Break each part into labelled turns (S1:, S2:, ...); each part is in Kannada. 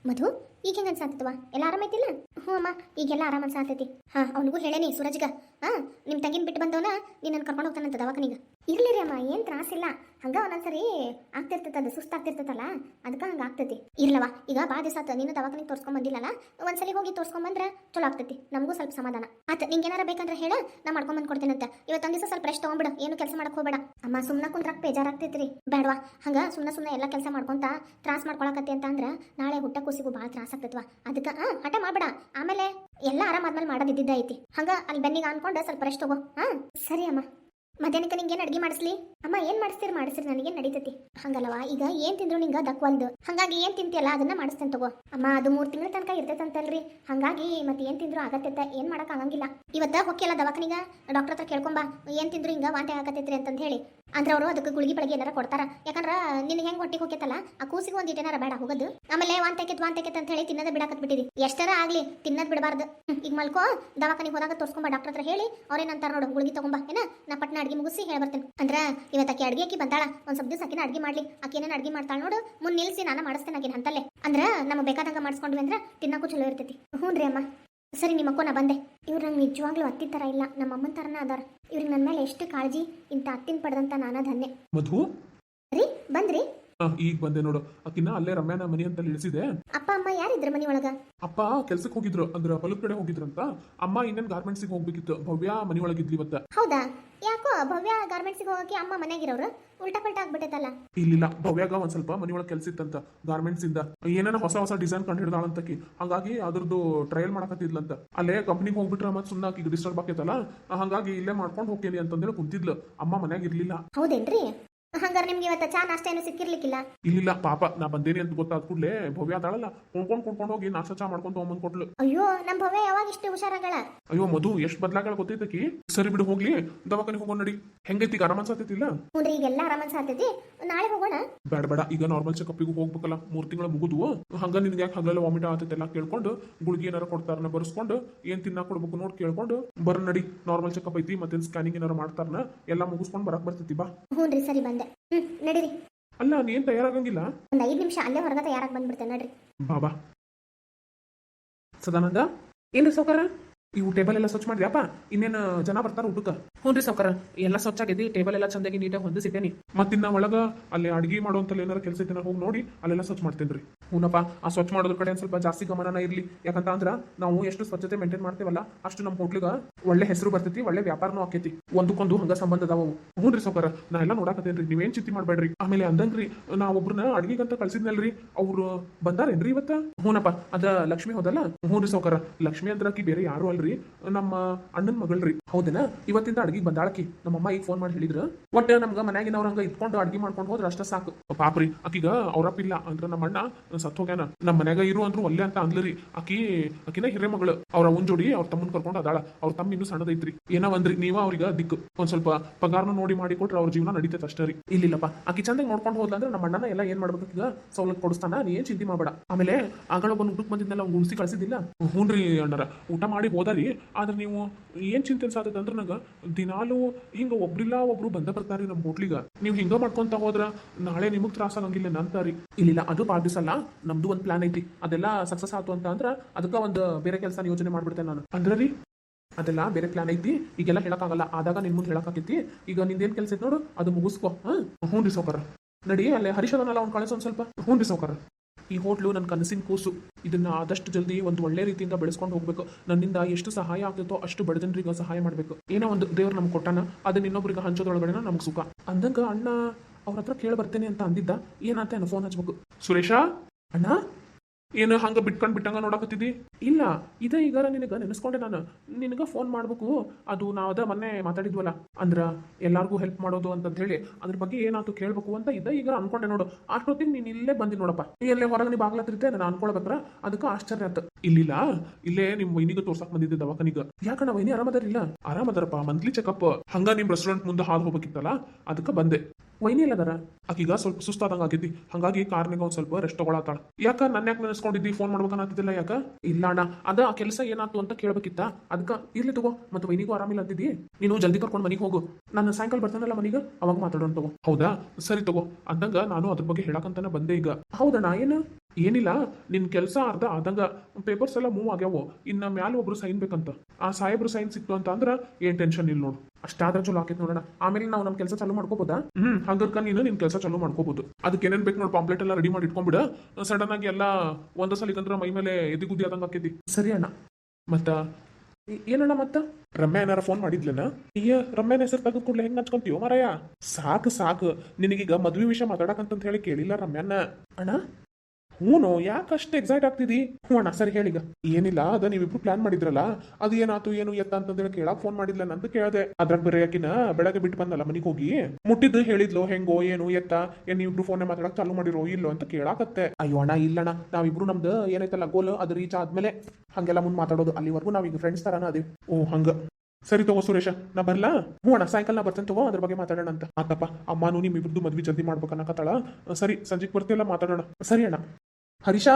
S1: ಮಧು ಈಗ ಹೆಂಗ ಅನ್ಸಾತವ ಎಲ್ಲ ಆರಾಮೈತಿಲ್ಲ? ಹ್ಞೂ ಅಮ್ಮ, ಈಗೆಲ್ಲ ಆರಾಮ ಅನ್ಸಾತೈತಿ. ಅವನಿಗೂ ಹೇಳೇನಿ ಸುರಜ್ಗ. ನಿಮ್ಮ ತಂಗಿನ ಬಿಟ್ಟು ಬಂದವನ ನಿನ್ನನ್ನು ಕರ್ಕೊಂಡು ಹೋಗ್ತಾನಂತ ದವಾಖಾನಿಗೆ. ಇರ್ಲಿ ಅಮ್ಮ, ಏನು ತ್ರಾಸಿಲ್ಲ. ಹಂಗ ಒಂದೊಂದ್ಸರಿ ಆಗ್ತಿರ್ತೈತೆ, ಅದು ಸುಸ್ತಾಗ್ತಿರ್ತೈತಲ್ಲ, ಅದಕ್ಕೆ ಹಂಗೆ ಆಗ್ತೈತಿ. ಇರ್ಲವ, ಈಗ ಭಾಳ ದಿವಸ ಆತ ನೀನು ದವಾಖಾನಿಗೆ ತೋರ್ಸ್ಕೊಂಡ್ ಬಂದಿಲ್ಲಲ್ಲ, ಒಂದ್ಸಲಿ ಹೋಗಿ ತೋರ್ಸ್ಕೊಂಬಂದ್ರೆ ಚಲೋ ಆಗ್ತೈತಿ, ನಮಗೂ ಸ್ವಲ್ಪ ಸಮಾಧಾನ ಆತ. ನಿಂಗೆ ಏನಾರ ಬೇಕಂದ್ರೆ ಹೇಳ, ನಾ ಮಾಡ್ಕೊಂಬಂದು ಕೊಡ್ತೇನಂತ. ಇವತ್ತೊಂದು ದಿವಸ ಸ್ವಲ್ಪ ರೆಸ್ಟ್ ತೊಗೊಂಬಿಡು, ಏನು ಕೆಲಸ ಮಾಡಕ್ ಹೋಗ್ಬೇಡ. ಅಮ್ಮ ಸುಮ್ಮನೆ ಕುಂದ್ರಕ್ ಬೇಜಾರಾಗ್ತೈತ್ರಿ. ಬೇಡವಾ, ಹಂಗ ಸುಮ್ಮನೆ ಎಲ್ಲ ಕೆಲಸ ಮಾಡ್ಕೊಂತ ತ್ರಾಸ ಮಾಡ್ಕೊಳಕತ್ತಿ ಅಂತ ಅಂದ್ರೆ ನಾಳೆ ಹುಟ್ಟ ಕೂಸಿಗೂ ಭಾಳ ತ್ರಾಸ ಆಗ್ತೈತ್ವ. ಅದಕ್ಕೆ ಹಠ ಮಾಡ್ಬೇಡ. ಆಮೇಲೆ ಎಲ್ಲ ಆರಾಮಾದ್ಮೇಲೆ ಮಾಡೋದಿದ್ದ ಐತಿ. ಹಂಗ ಅಲ್ಲಿ ಬೆನ್ನಿಗೆ ಅನ್ಕೊಂಡು ಸ್ವಲ್ಪ ರೆಸ್ಟ್ ತಗೋ. ಸರಿ ಅಮ್ಮ. ಮಧ್ಯಾಹ್ನಕ್ಕೆ ನಿಂಗೆ ಏನು ಅಡ್ಗೆ ಮಾಡಿಸ್ಲಿ? ಅಮ್ಮ ಏನು ಮಾಡಿಸ್ತೀರಿ ನನಗೇನು ನಡೀತೈತಿ. ಹಂಗಲ್ಲವಾ, ಈಗ ಏನು ತಿಂದ್ರು ನಿಂಗೆ ದಕ್ವಲ್ದು, ಹಂಗಾಗಿ ಏನು ತಿಂತಿಯಲ್ಲ ಅದನ್ನ ಮಾಡಿಸ್ತೇನೆ ತಗೋ. ಅಮ್ಮ ಅದು 3 ತಿಂಗಳ ತನಕ ಇರ್ತೈತಂತಲ್ರಿ, ಹಂಗಾಗಿ ಮತ್ತೆ ಏನು ತಿಂದ್ರು ಆಗತ್ತೈತೆ, ಏನು ಮಾಡಕ್ ಆಗಂಗಿಲ್ಲ. ಇವತ್ತ ಹೊಕ್ಕಿಲ್ಲ ದವಾಖಾನಿಗ, ಡಾಕ್ಟರ್ ಹತ್ರ ಕೇಳ್ಕೊಂಬಾ ಏನು ತಿಂದ್ರು ಹಿಂಗೆ ವಾಂತಿ ಆಗತ್ತೈತ್ರಿ ಅಂತಂದು ಹೇಳಿ. ಅಂದ್ರೆ ಅವರು ಅದಕ್ಕೆ ಗುಳಿಗೆ ಬೆಳಗ್ಗೆ ಏನಾರ ಕೊಡ್ತಾರ. ಯಾಕಂದ್ರೆ ನಿನ್ಗೆ ಹೆಂಗೆ ಹೊಟ್ಟಿಗೆ ಹೋಗ್ಯತಲ್ಲ, ಆ ಕೂಸಿಗೆ ಒಂದು ಏನಾರ ಬೇಡ ಹೋಗೋದು. ಆಮೇಲೆ ವಾಂತೈಕೆತ್ ಅಂತ ಹೇಳಿ ತಿನ್ನೋದ ಬಿಡಾಕತ್ ಬಿಟ್ಟಿದಿ. ಎಷ್ಟರ ಆಗ್ಲಿ ತಿನ್ನೋದ್ ಬಿಡಬಾರ್ದು. ಈಗ ಮಲ್ಕೋ, ದವಾಖಾನಿಗೆ ಹೋದಾಗ ತೋರ್ಸ್ಕೊಂಬ, ಡಾಕ್ಟರ್ ಹತ್ರ ಹೇಳಿ ಅವ್ರೇನಂತಾರ ನೋಡು, ಗುಳಿಗೆ ತಗೊಂಬಾ ಏನ. ನಾ ಪಟ್ನ ಅಡ್ಗೆ ಮುಗಿಸಿ ಹೇಳ್ಬರ್ತೇನೆ. ಅಂದ್ರೆ ಇವತ್ತಾಕಿ ಅಡ್ಗೆ ಆಕಿ ಬಂದಾಳ, ಒಂದ್ ಸ್ವಲ್ಪ ದಿವಸ ಆಕಿನ ಅಡ್ಗೆ ಮಾಡ್ಲಿ. ಆಕಿ ಏನೇನು ಅಡ್ಗೆ ಮಾಡ್ತಾಳ ನೋಡು, ಮುಂದೆ ನಿಲ್ಸಿ ನಾನು ಮಾಡಿಸ್ತೇನೆ ಆಕಿನ ಅಂತಲ್ಲೇ. ಅಂದ್ರೆ ನಮಗೆ ಬೇಕಾದಂಗ ಮಾಡಿಸ್ಕೊಂಡ್ವಿ ಅಂದ್ರೆ ತಿನ್ನಕ್ಕೂ ಚಲೋ ಇರ್ತೈತಿ. ಹ್ಞೂ ರೀ ಅಮ್ಮ. ಸರಿ ನಿಮ್ಮಕ್ಕೋ, ನಾ ಬಂದೆ. ಇವ್ರು ನಂಗೆ ನಿಜವಾಗ್ಲೂ ಅತ್ತಿ ಥರ ಇಲ್ಲ, ನಮ್ಮ ಅಮ್ಮನ ಥರನ ಅದಾರ. ಇವ್ರಿಗೆ ನನ್ನ ಮೇಲೆ ಎಷ್ಟು ಕಾಳಜಿ, ಇಂಥ ಅತ್ತಿನ ಪಡೆದಂತ ನಾನಾ ಧನ್ಯ.
S2: ಮಧು
S1: ರೀ ಬಂದ್ರಿ?
S2: ಈಗ ಬಂದೆ ನೋಡು. ಆಕಿನ ಅಲ್ಲೇ ರಮ್ಯಾನ ಮನಿ ಅಂತ ಇಳಿಸಿದೆ.
S1: ಅಪ್ಪ ಅಮ್ಮ ಯಾರಿದ್ರ ಮನಿ ಒಳಗ?
S2: ಅಪ್ಪ ಕೆಲ್ಸಕ್ಕೆ ಹೋಗಿದ್ರು, ಅಂದ್ರೆ ಹೊಲದ ಕಡೆ ಹೋಗಿದ್ರಂತ. ಅಮ್ಮ ಇನ್ನೇನ್ ಗಾರ್ಮೆಂಟ್ಸಿಗೆ ಹೋಗ್ಬೇಕಿತ್ತು. ಭವ್ಯ ಮನಿ ಒಳಗಿದ್ಲಿ ಇವತ್ತ.
S1: ಹೌದಾ? ಯಾಕೋ ಭವ್ಯ ಗಾರ್ಮೆಂಟ್ಸಿಗೆ ಹೋಗಕ್ಕೆ ಅಮ್ಮ ಮನೆಯಾಗಿರೋರು ಉಲ್ಟಾ ಪಲ್ಟಾ ಆಗ್ಬಿಟ್ಟೈತಲ್ಲ.
S2: ಇಲ್ಲಿಲ್ಲ, ಭವ್ಯಾಗ ಒಂದ್ ಸ್ವಲ್ಪ ಮನಿ ಒಳಗೆ ಕೆಲ್ಸ ಇತ್ತಂತ ಗಾರ್ಮೆಂಟ್ಸ್ ಇಂದ. ಏನೇನ ಹೊಸ ಡಿಸೈನ್ ಕಂಡು ಹಿಡ್ದಾಳಂತಕಿ, ಹಾಗಾಗಿ ಅದ್ರದ್ದು ಟ್ರಯಲ್ ಮಾಡಕತ್ತಿದ್ಲಂತ. ಅಲ್ಲೇ ಕಂಪ್ನಿಗೆ ಹೋಗ್ಬಿಟ್ರೆ ಮತ್ತೆ ಸುಮ್ಮನೆ ಆಕಿಗೆ ಡಿಸ್ಟರ್ಬ್ ಆಕೈತಲ್ಲ, ಹಾಗಾಗಿ ಇಲ್ಲೇ ಮಾಡ್ಕೊಂಡು ಹೋಗ್ತೇನೆ ಅಂತಂದೇಳಿ ಕುಂತಿದ್ಲು. ಅಮ್ಮ ಮನ್ಯಾಗ ಇರ್ಲಿಲ್ಲ.
S1: ಹೌದೇನ್ರಿ? ಹಂಗಾರೆ ನಿಮ್ಗೆ ಇವತ್ತ ಚಾ ನಾಷ್ಟ ಏನು ಸಿಕ್ಕಿರ್ಲಿಕ್ಕಿಲ್ಲ?
S2: ಇಲ್ಲ ಪಾಪ, ನಾ ಬಂದೇನಿ ಅಂತ ಗೊತ್ತಾದ ಕೂಡಲೇ ಭವ್ಯ ಅದಾಳಲ್ಲ, ಕುಣ್ಕೊಂಡು ಹೋಗಿ ನಾಷ್ಟ ಚಾ ಮಾಡ್ಕೊಂಡು ತಗೊಂಬಂದ್ ಕೊಟ್ಲು.
S1: ಅಯ್ಯೋ, ನಮ್ ಭವ್ಯ ಯಾವಾಗ ಇಷ್ಟು ಹುಷಾರಾಗಳ?
S2: ಅಯ್ಯೋ ಮಧು, ಎಷ್ಟು ಬದ್ಲಾಗಳ ಗೊತ್ತೈತಕಿ. ಸರಿ ಬಿಡು, ಹೋಗ್ಲಿ ದವಾಖಾನಿಗೆ ಹೋಗೋಣ ನಡಿ. ಹೆಂಗೈತಿ ಈಗ, ಆರಾಮ ಅನ್ಸಾತೈತಿಲ್ಲ?
S1: ಹ್ಞೂ, ಈಗೆಲ್ಲ ಆರಾಮ ಅನ್ಸಾತೈತಿ. ನಾಳೆ ಹೋಗೋಣ?
S2: ಬೇಡ, ಈಗ ನಾರ್ಮಲ್ ಚೆಕಪ್ಪಿಗೂ ಹೋಗ್ಬೇಕಲ್ಲ, 3 ತಿಂಗಳು ಮುಗಿದು. ಹಂಗ ನಿನ್ಗೆ ಯಾಕೆ ಹಗಲೆಲ್ಲ ವಾಮಿಟ್ ಆಗ್ತೈತೆಲ್ಲ ಕೇಳ್ಕೊಂಡು, ಗುಳಿಗೆ ಏನಾರ ಕೊಡ್ತಾರನ ಬರ್ಸ್ಕೊಂಡು, ಏನ್ ತಿನ್ನಾಕ ಕೊಡ್ಬೇಕು ನೋಡ್ ಕೇಳ್ಕೊಂಡು ಬರ ನಡಿ. ನಾರ್ಮಲ್ ಚೆಕಪ್ ಐತಿ, ಮತ್ತೆ ಸ್ಕ್ಯಾನಿಂಗ್ ಏನಾರ ಮಾಡ್ತಾರನ, ಎಲ್ಲ ಮುಗಿಸ್ಕೊಂಡು ಬರಕ್ ಬರ್ತೈತಿ. ಬಾ.
S1: ಹ್ಞೂ ರೀ, ಸರಿ ಬಂದೆ. ನಡೀರಿ.
S2: ಅಲ್ಲ, ನೀನ್ ತಯಾರಾಗಂಗಿಲ್ಲ?
S1: ಒಂದ್ 5 ನಿಮಿಷ ಅಲ್ಲೇ ಹೊರಗ ತಯಾರಾಗಿ ಬಂದ್ಬಿಡ್ತೇನೆ. ನಡ್ರಿ.
S2: ಬಾಬಾ. ಸದಾನಂದ, ಏನ್ರಿ ಸೌಕರ? ಇವು ಟೇಬಲ್ ಎಲ್ಲ ಸ್ವಚ್ಛ ಮಾಡಿದ್ಯಪ್ಪ? ಇನ್ನೇನು ಜನ ಬರ್ತಾರ ಊಟಕ್ಕೆ?
S3: ಹ್ಞೂ ರೀ ಸಾವ್ಕಾರ, ಎಲ್ಲ ಸ್ವಚ್ಛ ಆಗೈತಿ. ಟೇಬಲ್ ಎಲ್ಲ ಚಂದಾಗಿ ನೀಟಾಗಿ ಹೊಂದಿಸಿಟ್ಟೇನಿ.
S2: ಮತ್ತಿನ್ನ ಒಳಗ ಅಲ್ಲಿ ಅಡಿಗೆ ಮಾಡುವಂತಲ್ಲಿ ಏನಾರ ಕೆಲಸ ಐತೆ ಹೋಗಿ ನೋಡಿ ಅಲ್ಲೆಲ್ಲ ಸ್ವಚ್ಛ ಮಾಡ್ತೇನ್ರಿ.
S3: ಹೂನಪ್ಪ, ಆ ಸ್ವಚ್ಛ ಮಾಡೋದ್ರ ಕಡೆ ಸ್ವಲ್ಪ ಜಾಸ್ತಿ ಗಮನನ ಇರಲಿ. ಯಾಕಂತ ಅಂದ್ರ ನಾವು ಎಷ್ಟು ಸ್ವಚ್ಛತೆ ಮೇಂಟೈನ್ ಮಾಡ್ತೇವಲ್ಲ, ಅಷ್ಟು ನಮ್ಮ ಹೋಟ್ಲಿಗೆ ಒಳ್ಳೆ ಹೆಸರು ಬರ್ತೈತಿ, ಒಳ್ಳೆ ವ್ಯಾಪಾರನೂ ಆಕೈತಿ. ಒಂದಕ್ಕೊಂದು ಹಂಗ ಸಂಬಂಧ ಅದಾವು. ಹ್ಞೂ ರೀ ಸಾವ್ಕಾರ, ನಾ ಎಲ್ಲ ನೋಡಾಕತ್ತೇನ್ರಿ, ನೀವೇನ್ ಚಿಂತೆ ಮಾಡ್ಬೇಡ್ರಿ. ಆಮೇಲೆ ಅಂದಂಗ್ರಿ, ನಾ ಒಬ್ರನ್ನ ಅಡಿಗೆಗಂತ ಕಳ್ಸಿದ್ನಲ್ರಿ, ಅವ್ರು ಬಂದಾರೇನ್ರಿ ಇವತ್ತ? ಹೂನಪ್ಪ, ಅದ ಲಕ್ಷ್ಮಿ ಹೋದಲ್ಲ?
S2: ಹ್ಞೂ ರೀ ಸಾವ್ಕಾರ, ಲಕ್ಷ್ಮಿ ಅಂದ್ರೆ ಆಕಿ ಬೇರೆ ಯಾರು ಅಲ್ರಿ, ನಮ್ಮ ಅಣ್ಣನ ಮಗಳ್ರಿ.
S3: ಹೌದೇನ? ಇವತ್ತಿಂದ ಅಡ್ಗಿಗೆ ಬಂದಾಳಕಿ. ನಮ್ಮಮ್ಮ ಈಗ ಫೋನ್ ಮಾಡಿ ಹೇಳಿದ್ರು, ಒಟ್ಟು ನಮ್ಗೆ ಮನ್ಯಾಗಿನವ್ರ ಹಂಗ ಇಟ್ಕೊಂಡು ಅಡ್ಗೆ ಮಾಡ್ಕೊಂಡು ಹೋದ್ರೆ ಅಷ್ಟ ಸಾಕು.
S2: ಪಾಪ್ರಿ, ಆಕಿಗ ಅವ್ರಪ್ಪಿಲ್ಲ ಅಂದ್ರೆ ನಮ್ಮ ಅಣ್ಣ ಸತ್ ಹೋಗ್ಯಾನ. ನಮ್ಮ ಮನ್ಯಾಗ ಇರು ಅಂದ್ರು ಒಲ್ಲೆ ಅಂತ ಅಂದ್ಲರಿ. ಆಕಿನ ಹಿರೇ ಮಗಳು. ಅವ್ರ ಅವನ್ ಜೋಡಿ ಅವ್ರ ತಮ್ಮನ್ ಕರ್ಕೊಂಡು ಅದಾಳ. ಅವ್ರ ತಮ್ಮ ಇನ್ನೂ ಸಣ್ಣದೈತ್ರಿ. ಏನೋ ಅಂದ್ರಿ, ನೀವ ಅವ್ರಿಗೆ ದಿಕ್ಕು ಒಂದ್ ಸ್ವಲ್ಪ ಪಗಾರನ ನೋಡಿ ಮಾಡಿ ಕೊಟ್ರೆ ಅವ್ರ ಜೀವನ ನಡೀತೈತೆ ಅಷ್ಟೇ ರೀ.
S3: ಇಲ್ಲಿಲ್ಲಪ್ಪ, ಆಕಿ ಚಂದಾಗಿ ನೋಡ್ಕೊಂಡು ಹೋದ್ಲ ಅಂದ್ರೆ ನಮ್ಮ ಅಣ್ಣನ ಎಲ್ಲ ಏನ್ ಮಾಡ್ಬೇಕು ಈಗ ಸವಲತ್ತು ಕೊಡಿಸ್ತಾನ, ನೀ ಏನ್ ಚಿಂತೆ ಮಾಡಬೇಡ. ಆಮೇಲೆ ಆಗಳ ಬಂದು ಊಟಕ್ಕೆ ಬಂದಿದ್ನಲ್ಲ, ಅವ್ನು ಉಳಿಸಿ ಕಳ್ಸಿದ್ದಿಲ್ಲ?
S2: ಹ್ಞೂನ್ರಿ ಅಣ್ಣರ, ಊಟ ಮಾಡಿ ಹೋದಾರಿ. ಆದ್ರೆ ನೀವು ಏನ್ ಚಿಂತೆ ಅನ್ಸಾತೈತೆ ಅಂದ್ರೆ ನಂಗೆ ದಿನಾಲು ಹಿಂಗ ಒಬ್ರಿಲ್ಲ ಒಬ್ರು ಬರ್ತಾರಿ ನಮ್ಮ ಹೋಟ್ಲಿಗ. ನೀವು ಹಿಂಗ ಮಾಡ್ಕೊಂತ ಹೋದ್ರ ನಾಳೆ ನಿಮಗ್ ತ್ರಾಸ ಆಗಂಗಿಲ್ಲ ನಂತಾರಿ.
S3: ಇಲ್ಲಿಲ್ಲ, ಅದು ಭಾಳ ದಿವಸ ಅಲ್ಲ, ನಮ್ದು ಒಂದು ಪ್ಲಾನ್ ಐತಿ. ಅದೆಲ್ಲ ಸಕ್ಸಸ್ ಆಯ್ತು ಅಂತ ಅಂದ್ರೆ ಅದಕ್ಕೆ ಒಂದು ಬೇರೆ ಕೆಲಸ ಯೋಚನೆ ಮಾಡ್ಬಿಡ್ತೇನೆ ನಾನು.
S2: ಅಂದ್ರೆ ರೀ,
S3: ಅದೆಲ್ಲ ಬೇರೆ ಪ್ಲಾನ್ ಐತಿ. ಈಗೆಲ್ಲ ಹೇಳಕ್ಕಾಗಲ್ಲ, ಆದಾಗ ನಿನ್ ಮುಂದೆ ಹೇಳಕ್ಕಾಗೈತಿ. ಈಗ ನಿಂದೇನ್ ಕೆಲಸ ಐತಿ ನೋಡು, ಅದು ಮುಗಿಸ್ಕೊ.
S2: ಹ್ಞೂ ರೀ ಸಾವ್ಕಾರ.
S3: ನಡಿ, ಅಲ್ಲೇ ಹರೀಶದನ್ನೆಲ್ಲ ಅವ್ನು ಕಳಿಸ್ ಒಂದ್ ಸ್ವಲ್ಪ.
S2: ಹ್ಞೂ ರೀ ಸಾವ್ಕಾರ.
S3: ಈ ಹೋಟ್ಲು ನನ್ನ ಕನಸಿನ ಕೂಸು. ಇದನ್ನ ಆದಷ್ಟು ಜಲ್ದಿ ಒಂದು ಒಳ್ಳೆ ರೀತಿಯಿಂದ ಬೆಳೆಸ್ಕೊಂಡು ಹೋಗ್ಬೇಕು. ನನ್ನಿಂದ ಎಷ್ಟು ಸಹಾಯ ಆಗ್ತೈತೋ ಅಷ್ಟು ಬಡ ಜನರಿಗೆ ಸಹಾಯ ಮಾಡಬೇಕು. ಏನೋ ಒಂದು ದೇವ್ರು ನಮ್ಗೆ ಕೊಟ್ಟಾನ, ಅದನ್ನ ಇನ್ನೊಬ್ರಿಗೆ ಹಂಚೋದ್ರೊಳಗಡೆ ನಮ್ಗೆ ಸುಖ. ಅಂದಂಗ ಅಣ್ಣ ಅವ್ರ ಹತ್ರ ಕೇಳಿ ಬರ್ತೇನೆ ಅಂತ ಅಂದಿದ್ದ. ಏನಂತ ಫೋನ್ ಹಚ್ಬೇಕು.
S2: ಸುರೇಶ
S3: ಅಣ್ಣ,
S2: ಏನು ಹಂಗ ಬಿಟ್ಟಂಗ ನೋಡಕತ್ತಿದ್ದಿ?
S3: ಇಲ್ಲ, ಇದ ಈಗ ನಿನಗೆ ನೆನೆಸ್ಕೊಂಡೆ ನಾನು. ನಿನಗೆ ಫೋನ್ ಮಾಡ್ಬೇಕು. ಅದು ನಾವು ಅದ ಮೊನ್ನೆ ಮಾತಾಡಿದ್ವಲ್ಲ, ಅಂದ್ರ ಎಲ್ಲಾರ್ಗೂ ಹೆಲ್ಪ್ ಮಾಡೋದು ಅಂತ ಹೇಳಿ, ಅದ್ರ ಬಗ್ಗೆ ಏನಾಯ್ತು ಕೇಳ್ಬೇಕು ಅಂತ ಇದ್ದ. ಈಗ ಅನ್ಕೊಂಡೆ ನೋಡು, ಅಷ್ಟೊತ್ತಿಗೆ ನೀನು ಇಲ್ಲೇ ಬಂದಿ ನೋಡಪ್ಪ. ಎಲ್ಲೇ ಹೊರಗೆ ನೀ ಬಾಗ್ಲತ್ತಿರ್ತೆ, ನಾನು ಅನ್ಕೊಳ್ಬೇಕ್ರ ಅದಕ್ಕೆ ಆಶ್ಚರ್ಯ ಆಯ್ತು.
S2: ಇಲ್ಲಿಲ್ಲ, ಇಲ್ಲೇ ನಿಮ್ ವೈನಿಗೆ ತೋರ್ಸಕ್ ಬಂದಿದ್ದೆ ದವಾಖಾನಿಗ.
S3: ಯಾಕಣ್ಣ ವೈನಿ ಆರಾಮದಾರಿಲ್ಲ?
S2: ಆರಾಮದಾರಪ್ಪ, ಮಂತ್ಲಿ ಚೆಕಪ್. ಹಂಗ ನಿಮ್ ರೆಸ್ಟೋರೆಂಟ್ ಮುಂದೆ ಹಾದು ಹೋಗ್ಬೇಕಿತ್ತಲ್ಲ, ಅದಕ್ಕೆ ಬಂದೆ.
S3: ವೈನಿ ಎಲ್ಲದಾರ?
S2: ಆಕೀಗ ಸ್ವಲ್ಪ ಸುಸ್ತಾದಂಗ ಆಗೈತಿ, ಹಂಗಾಗಿ ಕಾರ್ನಿಗ ಒಂದ್ ಸ್ವಲ್ಪ ರೆಸ್ಟ್ ತಗೊಳತ್ತಾಳ. ಯಾಕ ನನ್ನ ಯಾಕೆ ನೆನೆಸ್ಕೊಂಡಿದ್ದಿ? ಫೋನ್ ಮಾಡ್ಬೇಕನ್ನತ್ತಿದ್ದಿಲ್ಲ ಯಾಕ?
S3: ಇಲ್ಲ ಅಣ್ಣ, ಅದ ಆ ಕೆಲಸ ಏನಾಯ್ತು ಅಂತ ಕೇಳ್ಬೇಕಿತ್ತ, ಅದಕ್ಕೆ ಇರ್ಲಿ ತಗೋ. ಮತ್ತೆ ವೈನಿಗೂ ಆರಾಮಿಲ್ಲ ಅಂತಿದ್ದಿ, ನೀನು ಜಲ್ದಿ ಕರ್ಕೊಂಡು ಮನೆಗೆ ಹೋಗು. ನಾನು ಸಾಯಂಕಾಲ ಬರ್ತಾನಲ್ಲ ಮನೆಗೆ, ಅವಾಗ ಮಾತಾಡೋಣ ತಗೋ.
S2: ಹೌದಾ, ಸರಿ ತಗೋ. ಅಂದಂಗ ನಾನು ಅದ್ರ ಬಗ್ಗೆ ಹೇಳಕಂತಾನೆ ಬಂದೆ ಈಗ.
S3: ಹೌದಣ್ಣ, ಏನು?
S2: ಏನಿಲ್ಲ ನಿನ್ ಕೆಲಸ ಅರ್ಧ ಆದಂಗ ಪೇಪರ್ಸ್ ಎಲ್ಲ ಮೂವ್ ಆಗ್ಯಾವು ಇನ್ನ ಮ್ಯಾಲ ಒಬ್ರು ಸೈನ್ ಬೇಕಂತ ಆ ಸಾಹೇಬ್ರು ಸೈನ್ ಸಿಕ್ತು ಅಂತ ಅಂದ್ರ ಏನ್ ಟೆನ್ಷನ್ ಇಲ್ಲ ನೋಡು
S3: ಅಷ್ಟಾದ್ರೆ ಚಲೋ ಆಕೈತಿ ನೋಡೋಣ ಆಮೇಲೆ ನಾವು ನಮ್ಮ ಕೆಲಸ ಚಾಲೂ ಮಾಡ್ಕೋಬೋದಾ?
S2: ಹಂಗರ್ಕ ನೀನು ನಿನ್ ಕೆಲಸ ಚಾಲೂ ಮಾಡ್ಕೋಬಹುದು ಅದಕ್ಕೆ ಏನೇನ್ ಬೇಕು ನೋಡಿ ಪಾಂಪ್ಲೆಟ್ ಎಲ್ಲ ರೆಡಿ ಮಾಡಿ ಇಟ್ಕೊಂಡ್ಬಿಡ ಸಡನ್ ಆಗಿ ಎಲ್ಲ ಒಂದ ಸಲಿಕಂದ್ರ ಮೈ ಮೇಲೆ ಎದಿಗುದ್ದಿ ಆದಂಗ ಆಕೈತಿ
S3: ಸರಿ ಅಣ್ಣ.
S2: ಮತ್ತ
S3: ಏನಣ್ಣ ಮತ್ತ?
S2: ರಮ್ಯಾ ಏನಾರ ಫೋನ್ ಮಾಡಿದ್ಲನ ಅಯ್ಯ ರಮ್ಯಾನ ಹೆಸರು ತೆಗೆದು ಕೂಡಲೇ ಹೆಂಗ್ ಹಚ್ಕೊಂತೀವೋ ಮಾರಾಯ ಸಾಕು ಸಾಕು ನಿನಗೀಗ ಮದ್ವೆ ವಿಷಯ ಮಾತಾಡಕಂತ ಹೇಳಿ ಕೇಳಿಲ್ಲ ರಮ್ಯಾನ
S3: ಅಣ್ಣ
S2: ಹ್ಞೂ ಯಾಕಷ್ಟು ಎಕ್ಸೈಟ್ ಆಗ್ತಿದಿ ಹ್ಞೂ ಅಣ್ಣ ಸರಿ ಹೇಳೀಗ ಏನಿಲ್ಲ ಅದ ನೀವಿಬ್ರು ಪ್ಲಾನ್ ಮಾಡಿದ್ರಲ್ಲ ಅದು ಏನಾತು ಏನು ಎತ್ತ ಅಂತಂದೇಳಿ ಕೇಳಕ್ ಫೋನ್ ಮಾಡಿದ್ಲ ನಂದು ಕೇಳ್ದೆ ಅದ್ರಾಗ ಬೇರೆ ಯಾಕಿನ ಬೆಳಗ್ಗೆ ಬಿಟ್ಟು ಬಂದಲ್ಲ ಮನಿಗೆ ಹೋಗಿ ಮುಟ್ಟಿದ್ದು ಹೇಳಿದ್ಲು ಹೆಂಗೋ ಏನು ಎತ್ತ ಏನ್ ನೀವಿಬ್ರು ಫೋನ್ ಮಾತಾಡಕ್ ಚಾಲು ಮಾಡಿರೋ ಇಲ್ಲೋ ಅಂತ ಕೇಳಾಕತ್ತೆ
S3: ಅಯ್ಯೋ ಅಣ್ಣ ಇಲ್ಲಣ್ಣ ನಾವಿಬ್ರು ನಮ್ದು ಏನೈತಲ್ಲ ಗೋಲ್ ಅದು ರೀಚ್ ಆದ್ಮೇಲೆ ಹಂಗೆಲ್ಲ ಮುಂದೆ ಮಾತಾಡೋದು ಅಲ್ಲಿವರೆಗೂ ನಾವೀಗ ಫ್ರೆಂಡ್ಸ್ ತರಾನ ಅದೀವಿ.
S2: ಓ ಹಂಗ ಸರಿ ತಗೋ ಸುರೇಶ ನಾ ಬರ್ಲಾ
S3: ಹ್ಞೂ ಅಣ್ಣ ಸಾಯಂಕಾಲ ನಾ ಬರ್ತೇನೆ ತಗೋ ಅದ್ರ ಬಗ್ಗೆ ಮಾತಾಡೋಣ ಅಂತ.
S2: ಆತಪ್ಪ ಅಮ್ಮನೂ ನಿಮ್ಮಿಬ್ರದ್ದು ಮದ್ವಿ ಜಲ್ದಿ ಮಾಡ್ಬೇಕನ್ನಕತ್ತಾಳ ಸರಿ ಸಂಜೆಗೆ ಬರ್ತಿಲ್ಲ ಮಾತಾಡೋಣ
S3: ಸರಿ ಅಣ್ಣ. ಹರೀಶಾ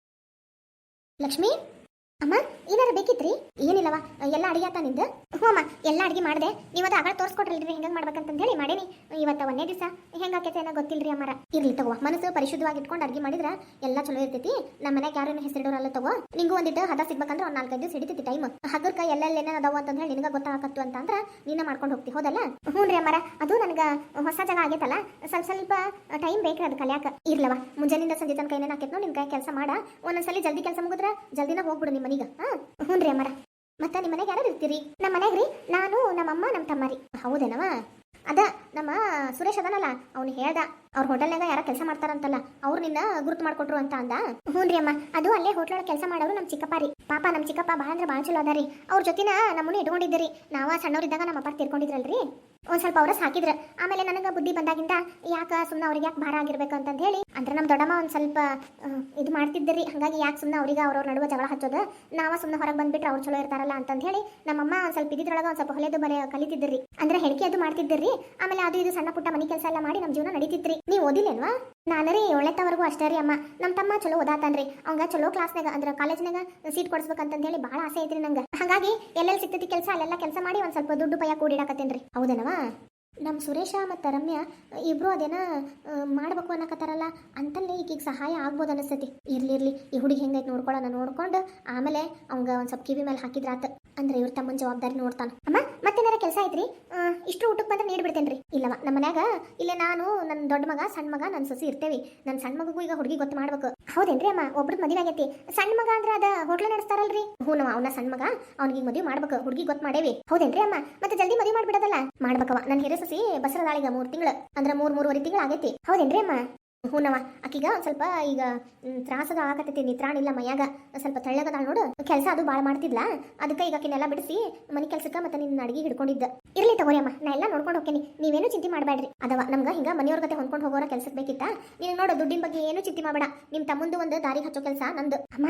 S1: ಲಕ್ಷ್ಮಿ ಅಮ್ಮ ಏನಾರ ಬೇಕಿತ್ರಿ? ಏನಿಲ್ಲವ ಎಲ್ಲ ಅಡಿಗೆ ಆತ ನಿಂದ? ಹ್ಞೂ ಅಮ್ಮ ಎಲ್ಲ ಅಡಿಗೆ ಮಾಡಿದೆ. ನೀವು ಅದು ಆಗ ತೋರಿಸ್ಕೊಟ್ರಲ್ರಿ ಹೆಂಗೆ ಮಾಡ್ಬೇಕಂತ ಹೇಳಿ ಮಾಡೇನಿ. ಇವತ್ತು ಒಂದೇ ದಿವಸ ಹೆಂಗಾಕೈತೆ ಏನೋ ಗೊತ್ತಿಲ್ರಿ ಅಮ್ಮರ. ಇರ್ಲಿ ತಗೋ ಮನಸ್ಸು ಪರಿಶುದ್ಧವಾಗಿ ಇಟ್ಕೊಂಡು ಅಡಿಗೆ ಮಾಡಿದ್ರೆ ಎಲ್ಲ ಚಲೋ ಇರ್ತೈತಿ. ನಮ್ಮ ಮನೆಗೆ ಯಾರೇನು ಹೆಸರಿಡೋರಲ್ಲ ತಗೋ. ನಿಂಗೂ ಒಂದಿಟ್ಟು ಹದ ಸಿಗ್ಬೇಕಂದ್ರೆ ಒಂದು 4-5 ದಿವಸ ಹಿಡಿತೈತಿ ಟೈಮ್. ಹಗರ್ಕ ಎಲ್ಲೆಲ್ಲಿ ಏನೇನು ಅದಾವ ಅಂತ ಹೇಳಿ ನಿನಗೆ ಗೊತ್ತಾಗತ್ತು ಅಂತ ಅಂದ್ರೆ ನೀನ ಮಾಡ್ಕೊಂಡು ಹೋಗ್ತಿ ಹೌದಲ್ಲ? ಹ್ಞೂ ರೀ ಅಮ್ಮರ ಅದು ನನಗೆ ಹೊಸ ಜಾಗ ಆಗೈತಲ್ಲ ಸ್ವಲ್ಪ ಟೈಮ್ ಬೇಕ್ರಿ ಅದು ಕಲಿಯಾಕ. ಇರ್ಲವ ಮುಂಜಾನಿಂದ ಸಂಜೆ ತನಕ ಏನೇನು ಆಕೈತೆ ನಿನ್ ಕೈ ಕೆಲಸ ಮಾಡ. ಒಂದೊಂದ್ಸಲಿ ಜಲ್ದಿ ಕೆಲಸ ಮುಗಿದ್ರೆ ಜಲ್ದಿನ ಹೋಗ್ಬಿಡು ನಿಮ್ಮ ಮನೆಗೆ. ಹ್ಞೂ ರೀ ಅಮ್ಮರ. ಮತ್ತೆ ನಿಮ್ಮ ಮನೆಗೆ ಯಾರು ಇರ್ತೀರಿ? ನಮ್ಮ ಮನೆಗೆ ರೀ ನಾನು ನಮ್ಮಮ್ಮ ನಮ್ಮ ತಮ್ಮರಿ. ಹೌದೇನವ? ಅದ ನಮ್ಮ ಸುರೇಶ್ ಅದನಲ್ಲ ಅವ್ನು ಹೇಳ್ದ ಅವ್ರ ಹೋಟೆಲ್ನಾಗ ಯಾರ ಕೆಲಸ ಮಾಡ್ತಾರಂತಲ್ಲ ಅವ್ರು ನಿನ್ನ ಗುರುತು ಮಾಡ್ಕೊಟ್ರು ಅಂತ ಅಂದ. ಹ್ಞೂ ರೀ ಅಮ್ಮ ಅದು ಅಲ್ಲೇ ಹೋಟ್ಲೊಳಗೆ ಕೆಲಸ ಮಾಡೋರು ನಮ್ಮ ಚಿಕ್ಕಪ್ಪ ರೀ. ಪಾಪ ನಮ್ಮ ಚಿಕ್ಕಪ್ಪ ಭಾಳ ಅಂದ್ರೆ ಭಾಳ ಚಲೋ ಅದಾರಿ. ಅವ್ರ ಜೊತೆನ ನಮ್ಮನ್ನು ಇಟ್ಕೊಂಡಿದ್ದೀರಿ. ನಾವ ಸಣ್ಣವರಿದ್ದಾಗ ನಮ್ಮ ಅಪ್ಪ ತೀರ್ಕೊಂಡಿದ್ರಲ್ರಿ ಒಂದ್ ಸ್ವಲ್ಪ ಅವ್ರ ಸಾಕಿದ್ರ. ಆಮೇಲೆ ನನಗೆ ಬುದ್ಧಿ ಬಂದಾಗಿಂದ ಯಾಕೆ ಸುಮ್ಮನೆ ಅವ್ರಿಗೆ ಯಾಕೆ ಭಾರ ಆಗಿರ್ಬೇಕು ಅಂತ ಹೇಳಿ ಅಂದ್ರೆ ನಮ್ಮ ದೊಡ್ಡಮ್ಮ ಒಂದು ಸ್ವಲ್ಪ ಇದು ಮಾಡ್ತಿದ್ದರಿ. ಹಾಗಾಗಿ ಯಾಕೆ ಸುಮ್ಮನೆ ಅವ್ರಿಗೆ ಅವ್ರವ್ರ ನಡುವೆ ಜಗಳ ಹಚ್ಚೋದು, ನಾವ ಸುಮ್ಮನೆ ಹೊರಗೆ ಬಂದ್ಬಿಟ್ರೆ ಅವ್ರು ಚಲೋ ಇರ್ತಾರಲ್ಲ ಅಂತ ಹೇಳಿ ನಮ್ಮಮ್ಮ ಒಂದು ಸ್ವಲ್ಪ ಇದ್ರೊಳಗೆ ಒಂದು ಸ್ವಲ್ಪ ಹೊಲೆದು ಬರೆ ಕಲಿತಿದ್ರಿ. ಅಂದ್ರೆ ಹೆಣಿಕೆ ಅದು ಮಾಡ್ತಿದ್ದರಿ. ಆಮೇಲೆ ಅದು ಇದು ಸಣ್ಣ ಪುಟ್ಟ ಮನೆ ಕೆಲಸ ಎಲ್ಲ ಮಾಡಿ ನಮ್ಮ ಜೀವನ ನಡೀತಿತ್ರಿ. ನೀವು ಓದಿಲ್ಲೇನ್ವಾ? ನಾನು ರೀ 7ನೇವರೆಗೂ ಅಷ್ಟೇ ರೀ ಅಮ್ಮ. ನಮ್ಮ ತಮ್ಮ ಚಲೋ ಓದಾತಾನ್ರಿ. ಅವಂಗ ಚಲೋ ಕ್ಲಾಸ್ನಾಗ ಅಂದ್ರೆ ಕಾಲೇಜ್ನಾಗ ಸೀಟ್ ಕೊಡಿಸ್ಬೇಕಂತ ಹೇಳಿ ಭಾಳ ಆಸೆ ಐತ್ರಿ ನಂಗೆ. ಹಾಗಾಗಿ ಎಲ್ಲೆಲ್ಲಿ ಸಿಗ್ತೈತಿ ಕೆಲಸ ಅಲ್ಲೆಲ್ಲ ಕೆಲಸ ಮಾಡಿ ಒಂದು ಸ್ವಲ್ಪ ದುಡ್ಡು ಪಯ್ಯ ಕೂಡಿಡಾಕತ್ತೇನ್ರಿ. ಹೌದೇನವಾ? ನಮ್ಮ ಸುರೇಶ ಮತ್ತು ರಮ್ಯಾ ಇಬ್ರು ಅದೇನ ಮಾಡ್ಬೇಕು ಅನ್ನಕತ್ತಾರಲ್ಲ ಅಂತಲ್ಲೇ ಈಗೀಗ ಸಹಾಯ ಆಗ್ಬೋದು ಅನಿಸ್ತೈತಿ. ಇರ್ಲಿ ಈ ಹುಡುಗಿ ಹೆಂಗೈತೆ ನೋಡ್ಕೊಂಡು ಆಮೇಲೆ ಅವಂಗ ಒಂದು ಸ್ವಲ್ಪ ಕಿವಿ ಮೇಲೆ ಹಾಕಿದ್ರಾತ. ಅಂದ್ರೆ ಇವ್ರ ತಮ್ಮನ ಜವಾಬ್ದಾರಿ ನೋಡ್ತಾನ. ಅಮ್ಮ ಮತ್ತೇನಾರ ಕೆಲಸ ಐತ್ರಿ? ಇಷ್ಟು ಊಟಕ್ಕೆ ಬಂದ್ರೆ ನೀಡ್ಬಿಡ್ತೇನ್ರಿ. ಇಲ್ಲವ ನಮ್ಮ ಮನ್ಯಾಗ ಇಲ್ಲೇ ನಾನು ನನ್ನ ದೊಡ್ಡ ಮಗ ಸಣ್ಣ ಮಗ ನನ್ನ ಸೊಸಿ ಇರ್ತೇವಿ. ನನ್ನ ಸಣ್ಣ ಮಗಗೂ ಈಗ ಹುಡುಗಿ ಗೊತ್ತು ಮಾಡ್ಬೇಕು. ಹೌದೇನ್ರಿ ಅಮ್ಮ? ಒಬ್ರದ್ ಮದುವೆ ಆಗೈತಿ. ಸಣ್ಣ ಮಗ ಅಂದ್ರೆ ಅದ ಹೋಟ್ಲ ನಡೆಸ್ತಾರಲ್ರಿ? ಹ್ಞೂ ಅವನ ಸಣ್ಣ ಮಗ ಅವ್ನಿಗೆ ಮದುವೆ ಮಾಡ್ಬೇಕು. ಹುಡುಗಿ ಗೊತ್ತು ಮಾಡೇವಿ. ಹೌದೇನ್ರಿ ಅಮ್ಮ? ಮತ್ತೆ ಜಲ್ದಿ ಮದುವೆ ಮಾಡ್ಬಿಡೋದಲ್ಲ? ಮಾಡ್ಬೇಕವ. ನನ್ನ ಹಿರಿಯ ಸೊಸಿ ಬಸರದಾಳಿಗ 3 ತಿಂಗಳು ಅಂದ್ರೆ 3-3.5 ತಿಂಗಳು ಆಗೈತಿ. ಹೌದೇನ್ರಿ ಅಮ್ಮ? ಹೂನವ ಆಕಿಗ ಒಂದು ಸ್ವಲ್ಪ ಈಗ ತ್ರಾಸದ ಆಗತೈತಿ. ನಿತ್ರಾಣ ಇಲ್ಲ ಮೈಯಾಗ ಸ್ವಲ್ಪ ತೆಳ್ಳಗದಾಳ ನೋಡು. ಕೆಲಸ ಅದು ಭಾಳ ಮಾಡ್ತಿದ್ಲ. ಅದಕ್ಕೆ ಈಗ ಆಕಿನೆಲ್ಲ ಬಿಡಿಸಿ ಮನೆ ಕೆಲ್ಸಕ್ಕೆ ಮತ್ತೆ ನಿನ್ನ ಅಡಿಗೆ ಹಿಡ್ಕೊಂಡಿದ್ದ. ಇರ್ಲಿ ತಗೋರಿ ಅಮ್ಮ ನಾ ಎಲ್ಲ ನೋಡ್ಕೊಂಡು ಹೋಗ್ತೀನಿ. ನೀವೇನು ಚಿಂತೆ ಮಾಡಬೇಡ್ರಿ. ಅದವ ನಮ್ಗೆ ಹಿಂಗ ಮನೆಯವ್ರ ಗತೆ ಹೊಂದ್ಕೊಂಡು ಹೋಗೋರ ಕೆಲ್ಸಕ್ಕೆ ಬೇಕಿತ್ತ. ನೀನು ನೋಡು ದುಡ್ಡಿನ ಬಗ್ಗೆ ಏನು ಚಿಂತೆ ಮಾಡಬೇಡ. ನಿಮ್ಮ ತಮ್ಮಂದು ಒಂದು ದಾರಿಗೆ ಹಚ್ಚೋ ಕೆಲಸ ನಂದು. ಅಮ್ಮ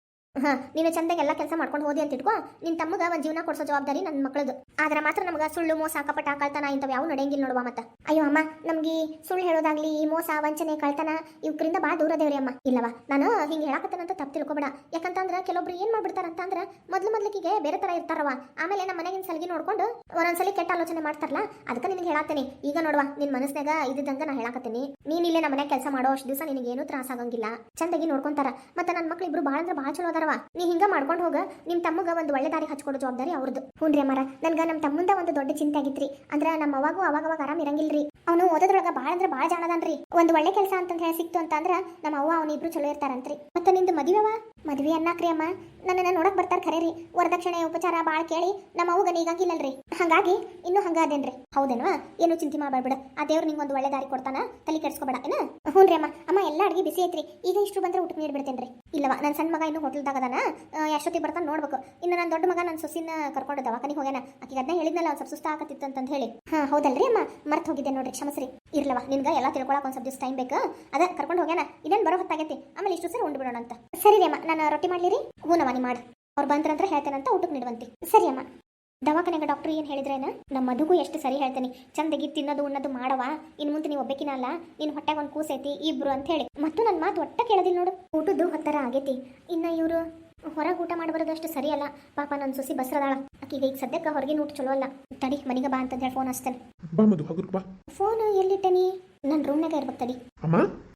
S1: ನೀನು ಚಂದಾಗಿ ಎಲ್ಲ ಕೆಲಸ ಮಾಡ್ಕೊಂಡು ಹೋದಿ ಅಂತ ಇಟ್ಕೋ. ನಿನ್ನ ತಮ್ಮಗ ಒಂದು ಜೀವನ ಕೊಡ್ಸೋ ಜವಾಬ್ದಾರಿ ನನ್ನ ಮಕ್ಕಳದು. ಆದ್ರೆ ಮಾತ್ರ ನಮ್ಗೆ ಸುಳ್ಳು ಮೋಸ ಕಪಟ ಕಳ್ತನ ಇಂಥವು ಯಾವ ನಡೆಯಂಗಿಲ್ಲ ನೋಡುವ. ಮತ್ತೆ ಅಯ್ಯೋ ಅಮ್ಮ ನಮ್ಗೆ ಸುಳ್ಳು ಹೇಳೋದಾಗ್ಲಿ ಈ ಮೋಸ ವಂಚನೆ ಕಳ್ತನ ಇವಕ್ರಿಂದ ಭಾಳ ದೂರ ದೇವ್ರಿ ಅಮ್ಮ. ಇಲ್ಲವ ನಾನು ಹಿಂಗೆ ಹೇಳಕತ್ತೇನಂತ ತಪ್ಪು ತಿಳ್ಕೊಬೇಡ. ಯಾಕಂತಂದ್ರೆ ಕೆಲವೊಬ್ರು ಏನ್ ಮಾಡ್ಬಿಡ್ತಾರಂತಂದ್ರೆ ಮೊದ್ಲಿಗೆ ಬೇರೆ ತರ ಇರ್ತಾರವ. ಆಮೇಲೆ ನಮ್ಮ ಮನೆಗಿನ ಸಲಗಿ ನೋಡ್ಕೊಂಡು ಒಂದೊಂದ್ಸಲಿ ಕೆಟ್ಟ ಆಲೋಚನೆ ಮಾಡ್ತಾರಲ್ಲ. ಅದಕ್ಕೆ ನಿನಗೆ ಹೇಳಾತೇನೆ ಈಗ ನೋಡುವ ನಿನ್ ಮನಸ್ನಾಗ ಇದ್ದಂಗ ನಾ ಹೇಳಾಕತ್ತೀನಿ. ನೀನ್ ಇಲ್ಲೇ ನಮ್ಮ ಮನೆ ಕೆಲಸ ಮಾಡೋ ಅಷ್ಟು ದಿವಸ ನಿನಗೇನು ತ್ರಾಸ ಆಗಂಗಿಲ್ಲ. ಚಂದಾಗಿ ನೋಡ್ಕೊಂತಾರ. ಮತ್ತೆ ನನ್ನ ಮಕ್ಳು ಇಬ್ರು ಭಾಳ ಅಂದ್ರೆ ಭಾಳ ಚಲೋ ಅದಾರವ. ನೀ ಹಿಂಗ ಮಾಡ್ಕೊಂಡು ಹೋಗ. ನಿಮ್ ತಮ್ಮಗ ಒಂದು ಒಳ್ಳೆ ದಾರಿ ಹಚ್ಕೊಡೋ ಜವಾಬ್ದಾರಿ ಅವ್ರದ್ದು. ಹ್ಞೂನ್ರಿ ಅಮ್ಮಾರ. ನನ್ಗ ನಮ್ಮ ತಮ್ಮಂದ ಒಂದು ದೊಡ್ಡ ಚಿಂತೆ ಆಗಿತ್ರಿ. ಅಂದ್ರೆ ನಮ್ಮ ಅವಾಗೂ ಅವಾಗ ಆರಾಮ್ ಇರಂಗಿಲ್ರಿ. ಅವನು ಓದೋದ್ರೊಳಗ ಭಾಳ ಅಂದ್ರೆ ಭಾಳ ಜಾಣದನ್ರಿ. ಒಂದು ಒಳ್ಳೆ ಕೆಲಸ ಅಂತ ಹೇಳಿ ಸಿಕ್ತು ಅಂತ ಅಂದ್ರ ನಮ್ಮ ಅವ್ವ ಅವನಿಬ್ರು ಚಲೋ ಇರ್ತಾರಂತ್ರಿ. ಮತ್ತೆ ನಿಂದು ಮದುವೆ ಅನ್ನಕ್ರಿ ಅಮ್ಮ ನನ್ನನ್ನ ನೋಡಕ್ ಬರ್ತಾರ ಖರೆ ರೀ. ವರದಕ್ಷಿಣೆ ಉಪಚಾರ ಭಾಳ ಕೇಳಿ ನಮ್ಮ ಅವ್ಗ ನೀಗಾಗಿಲ್ಲಲ್ರಿ. ಹಾಗಾಗಿ ಇನ್ನೂ ಹಂಗ ಅದೇನ್ರಿ. ಹೌದೇನವಾ? ಏನು ಚಿಂತೆ ಮಾಡಬೇಡ. ಆ ದೇವ್ರು ನಿಂಗೆ ಒಂದು ಒಳ್ಳೆ ದಾರಿ ಕೊಡ್ತಾನ. ತಲೆ ಕೆಡ್ಸ್ಕೊಬೇಡ ಏನ? ಹ್ಞೂನ್ರಿ ಅಮ್ಮ. ಅಮ್ಮ ಎಲ್ಲ ಅಡಿಗೆ ಬಿಸಿ ಐತ್ರಿ. ಈಗ ಇಷ್ಟು ಬಂದ್ರೆ ಊಟಕ್ಕೆ ನೀಡ್ಬಿಡ್ತೇನ್ರಿ. ಇಲ್ಲವ ನನ್ನ ಸಣ್ಣ ಮಗ ಇನ್ನು ಹೋಟೆಲ್ದಾಗದಾನ. ಎಷ್ಟೊತ್ತಿಗೆ ಬರ್ತಾನೆ ನೋಡ್ಬೇಕು. ಇನ್ನು ನನ್ನ ದೊಡ್ಡ ಮಗ ನನ್ನ ಸೊಸಿನ ಕರ್ಕೊಂಡು ದವಾಖಾನಿಗೆ ಹೋಗ್ಯಾನ. ಆಕಿಗೆ ಅದನ್ನ ಹೇಳಿದ್ನಲ್ಲ ಒಂದು ಸ್ವಲ್ಪ ಸುಸ್ತ ಆಗತ್ತಿತ್ತು ಅಂತ ಹೇಳಿ. ಹೌದಲ್ರಿ ಅಮ್ಮ ಮರ್ತು ಹೋಗಿದ್ದೆ ನೋಡ್ರಿ ಕ್ಷಮಸ್ರಿ. ಇರ್ಲವ ನಿನ್ಗೆ ಎಲ್ಲ ತಿಳ್ಕೊಳಕ್ ಒಂದು ಸ್ವಲ್ಪ ದಿವಸ ಟೈಮ್ ಬೇಕು. ಅದ ಕರ್ಕೊಂಡು ಹೋಗ್ಯಾನ. ಇದೇನು ಬರೋ ಹೊತ್ತಾಗೈತಿ. ಆಮೇಲೆ ಇಷ್ಟು ಸರಿ ಉಂಡು ಬಿಡೋಣ ಅಂತ. ಸರಿ ರೀ ಅಮ್ಮ ನಾನು ರೊಟ್ಟಿ ಮಾಡ್ಲಿರಿ? ಹೂನವ ನೀ ಮಾಡಿ. ಅವ್ರು ಬಂದ್ರಂತ್ರ ಹೇಳ್ತೇನಂತ ಊಟಕ್ಕೆ ನೀಡುವಂತೆ. ಸರಿ ಅಮ್ಮ. ದವಾಖಾನೆಗೆ ಡಾಕ್ಟರ್ ಏನು ಹೇಳಿದ್ರೇನ? ನಮ್ಮ ಮದುಗೂ ಎಷ್ಟು ಸರಿ ಹೇಳ್ತೇನೆ. ಚಂದಗಿ ತಿನ್ನೋದು ಉಣ್ಣೋದು ಮಾಡವ. ಇನ್ನು ಮುಂದೆ ನೀವು ಒಬ್ಬಕಿನ ಅಲ್ಲ. ನಿನ್ನ ಹೊಟ್ಟೆಗೆ ಒಂದು ಕೂಸೈತಿ ಇಬ್ರು ಅಂತ ಹೇಳಿ. ಮತ್ತು ನನ್ನ ಮಾತು ಒಟ್ಟ ಕೇಳೋದಿಲ್ಲ ನೋಡು. ಊಟದ್ದು ಹೊತ್ತರ ಆಗೈತಿ. ಇನ್ನು ಇವರು ಹೊರಗೆ ಊಟ ಮಾಡಿ ಬರೋದಷ್ಟು ಸರಿ ಅಲ್ಲ. ಪಾಪ ನನ್ನ ಸೊಸಿ ಬಸರದಾಳ. ಆಕಿಗೆ ಈಗ ಸದ್ಯಕ್ಕೆ ಹೊರಗಿನ ಊಟ ಚಲೋ ಅಲ್ಲ. ತಡಿ ಮನೆಗೆ ಬಾ ಅಂತ ಹೇಳಿ ಫೋನ್ ಹಚ್ತೇನೆ.
S2: ಬಾ ಮಧು ಹಗುರ್ಕ್ ಬಾ.
S1: ಫೋನ್ ಎಲ್ಲಿಟ್ಟನಿ? ನನ್ನ ರೂಮ್ನಾಗ ಇರ್ಬೇಕು. ತಡಿ
S2: ಅಮ್ಮ